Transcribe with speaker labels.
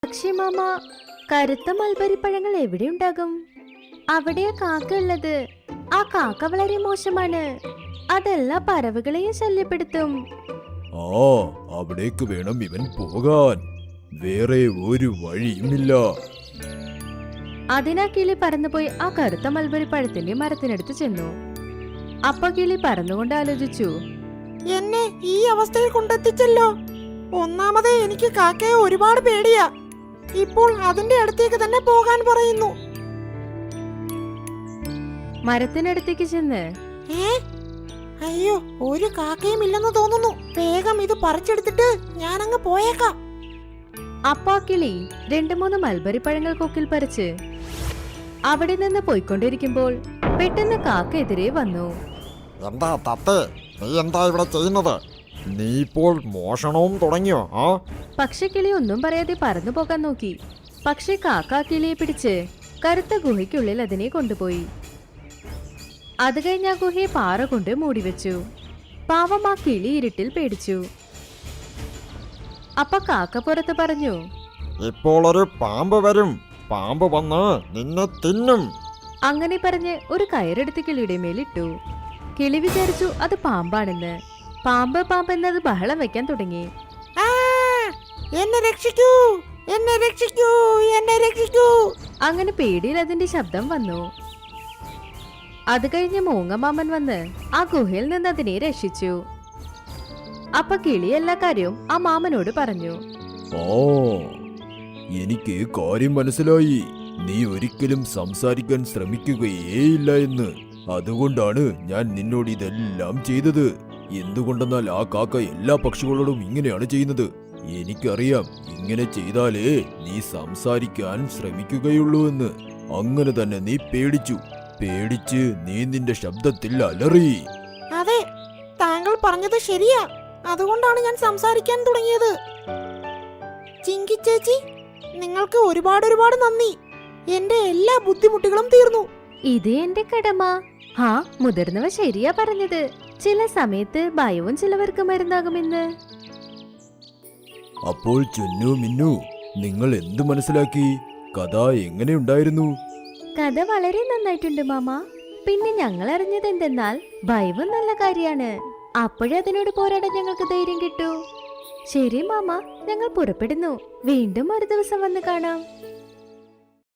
Speaker 1: പക്ഷേ മാമ, കറുത്ത മൽബരി പഴങ്ങൾ എവിടെ ഉണ്ടാകും? അവിടെയാ കാക്ക ഉള്ളത്. ആ കാക്ക വളരെ മോശമാണ്. അതെല്ലാ പറവുകളെയും ശല്യപ്പെടുത്തും.
Speaker 2: ആ, അവിടേക്ക് വേണം ഇവൻ പോകാൻ. വേറെ ഒരു വഴിയുമില്ല.
Speaker 1: അതിനാ കിളി പറന്നുപോയി ആ കറുത്ത മൽബരി പഴത്തിന്റെ മരത്തിനടുത്ത് ചെന്നു. അപ്പ കിളി പറന്നുകൊണ്ട് ആലോചിച്ചു,
Speaker 3: എന്നെ ഈ അവസ്ഥയിൽ കൊണ്ടെത്തിച്ചല്ലോ. ഒന്നാമതേ എനിക്ക് കാക്കയെ ഒരുപാട് പേടിയാ. ഇപ്പോൾ അതിന്റെ അടുത്തേക്ക് തന്നെ പോകാൻ പറയുന്നു.
Speaker 1: മരത്തിനടുത്തേക്ക് ചെന്ന്,
Speaker 3: അയ്യോ, ഒരു കാക്കയും ഇല്ലെന്ന് തോന്നുന്നു. വേഗം ഇത് പറിച്ചെടുത്തിട്ട് ഞാനങ്ങ് പോയേക്കാം.
Speaker 1: അപ്പാ കിളി 2-3 മൽബരി പഴങ്ങൾ കൊക്കിൽ പറിച്ച് അവിടെ നിന്ന് പോയിക്കൊണ്ടിരിക്കുമ്പോൾ പെട്ടെന്ന് കാക്ക എതിരെ വന്നു.
Speaker 4: എന്താ തത്തേ, നീ എന്താ ഇവിടെ ചെയ്യുന്നത്? നീ ഇപ്പോൾ മോഷണവും തുടങ്ങിയോ?
Speaker 1: പക്ഷെ കിളി ഒന്നും പറയാതെ പറന്നു പോകാൻ നോക്കി. പക്ഷെ കാക്ക കിളിയെ പിടിച്ച് കറുത്ത ഗുഹയ്ക്കുള്ളിൽ അതിനെ കൊണ്ടുപോയി. അത് കഴിഞ്ഞ് ആ ഗുഹയെ പാറ കൊണ്ട് മൂടിവെച്ചു. പാവം ആ കിളി ഇരുട്ടിൽ പേടിച്ചു. അപ്പൊ കാക്ക പുറത്ത് പറഞ്ഞു,
Speaker 4: ഇപ്പോൾ ഒരു പാമ്പ് വരും. പാമ്പ് വന്ന് നിന്നെ തിന്നും.
Speaker 1: അങ്ങനെ പറഞ്ഞ് ഒരു കയറെടുത്ത് കിളിയുടെ മേലിട്ടു. കിളി വിചാരിച്ചു അത് പാമ്പാണെന്ന്. പാമ്പ് പാമ്പ് എന്നത് ബഹളം വെക്കാൻ തുടങ്ങി.
Speaker 3: എന്നെ രക്ഷിക്കൂ, എന്നെ രക്ഷിക്കൂ, എന്നെ രക്ഷിക്കൂ.
Speaker 1: അങ്ങനെ പേടിയിൽ അതിന്റെ ശബ്ദം വന്നു. അത് കഴിഞ്ഞ് മൂങ്ങമാമൻ വന്ന് ആ ഗുഹയിൽ നിന്ന് അതിനെ രക്ഷിച്ചു. അപ്പൊ കിളി എല്ലാ കാര്യവും ആ മാമനോട് പറഞ്ഞു.
Speaker 2: ആ, എനിക്ക് കാര്യം മനസ്സിലായി. നീ ഒരിക്കലും സംസാരിക്കാൻ ശ്രമിക്കുകയേയില്ല എന്ന്. അതുകൊണ്ടാണ് ഞാൻ നിന്നോട് ഇതെല്ലാം ചെയ്തത്. എന്തുകൊണ്ടെന്നാൽ ആ കാക്ക എല്ലാ പക്ഷികളോടും ഇങ്ങനെയാണ് ചെയ്യുന്നത്. എനിക്കറിയാം, ഇങ്ങനെ ചെയ്താലേ നീ സംസാരിക്കാൻ ശ്രമിക്കുകയുള്ളൂ എന്ന്. അങ്ങനെ തന്നെ നീ പേടിച്ച് നീ നിന്റെ ശബ്ദത്തിൽ അലറി.
Speaker 3: അതെ, താങ്കൾ പറഞ്ഞത് ശരിയാ. അതുകൊണ്ടാണ് ഞാൻ സംസാരിക്കാൻ തുടങ്ങിയത്. ചിങ്കി ചേച്ചി, നിങ്ങൾക്ക് ഒരുപാട് നന്ദി. എന്റെ എല്ലാ ബുദ്ധിമുട്ടുകളും തീർന്നു.
Speaker 1: ഇത് എന്റെ കടമ. മുതിർന്നവ ശരിയാ പറഞ്ഞത്. ചില സമയത്ത് ഭയവും ചിലവർക്ക് മരുന്നാകുമെന്ന്.
Speaker 2: അപ്പോൾ ചുന്നു മിന്നു, നിങ്ങൾ എന്തു മനസ്സിലാക്കി? കഥ എങ്ങനെയുണ്ടായിരുന്നു?
Speaker 1: കഥ വളരെ നന്നായിട്ടുണ്ട് മാമ. പിന്നെ ഞങ്ങൾ അറിഞ്ഞത് എന്തെന്നാൽ ഭയവും നല്ല കാര്യമാണ്. അപ്പോഴേ അതിനോട് പോരാടാൻ ഞങ്ങൾക്ക് ധൈര്യം കിട്ടൂ. ശരി മാമ, ഞങ്ങൾ പുറപ്പെടുന്നു. വീണ്ടും ഒരു ദിവസം വന്ന് കാണാം.